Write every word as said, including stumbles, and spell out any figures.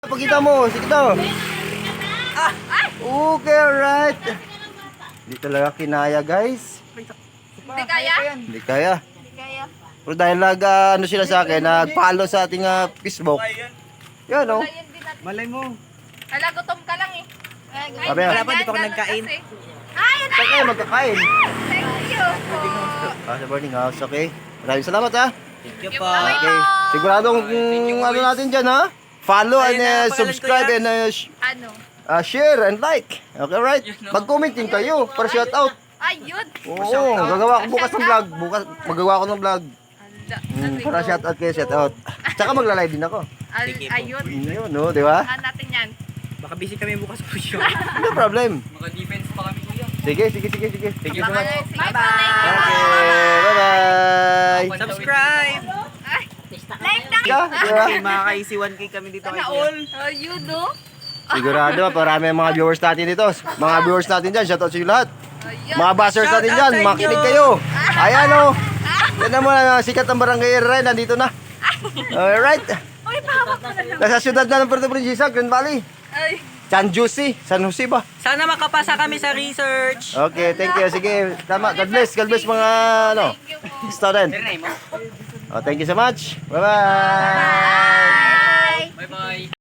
Pakita mo, sige to. Okay, alright. Hindi talaga kinaya, guys. Hindi kaya? Hindi kaya. Hindi kaya. Pero dahil nag, ah, ano sila sa akin, nag-follow sa ating ah, Facebook. Yan, oh. Wala yun din natin. Malay mo. Hala, gutom ka lang eh. Ay, Sabi, wala pa, di pa ako ganun nagkain. kasi. Ay, yun Saan kayo magkakain? Thank you po. Ah, sa boarding house, okay. Maraming salamat, ha. Thank you Yung po. kamay Okay. po. Siguradong mm, ano natin dyan, ha. Follow and Ayun na, uh, pangalan subscribe ko yan. and uh, sh- Ano? uh, share and like. Okay, right? Mag-comment din kayo para shout out. Ayun. Oo, gagawa ko bukas ng vlog. Bukas, magagawa ko ng vlog. Hala, Mm, sabi para ko. shout out kayo, shout out. Tsaka magla-live din ako. Al- Sige po. Ayun. Yun, no, di ba? Saan natin yan? Baka busy kami bukas po yun. No problem. Maka-defense pa kami kuya. Sige, sige, sige, sige. Thank you so Baka much. na- sige po, thank you. Okay, bye-bye. Subscribe! Ay, like na. Ka, di ba? Okay, makakaisi one K kami dito kay kuya. Ayun, no? Sigurado, parami ang mga viewers natin dito. Mga viewers natin dyan, shout out sa inyo lahat. Ayun. Mga buzzers Shout natin out dyan, sa inyo. makinig kayo. Ayan o. Yan naman ang sikat ng barangay Ren, nandito na. Alright. Uy, pahawak mo na lang. Nasa syudad na ng Puerto Princesa, Grand Valley. Ay, San Jose, San Jose ba? Sana makapasa kami sa research. Okay, thank you. Sige, tama. God bless, God bless mga ano, thank you po. student. mo? Oh, thank you so much. Bye-bye. Bye. Bye-bye.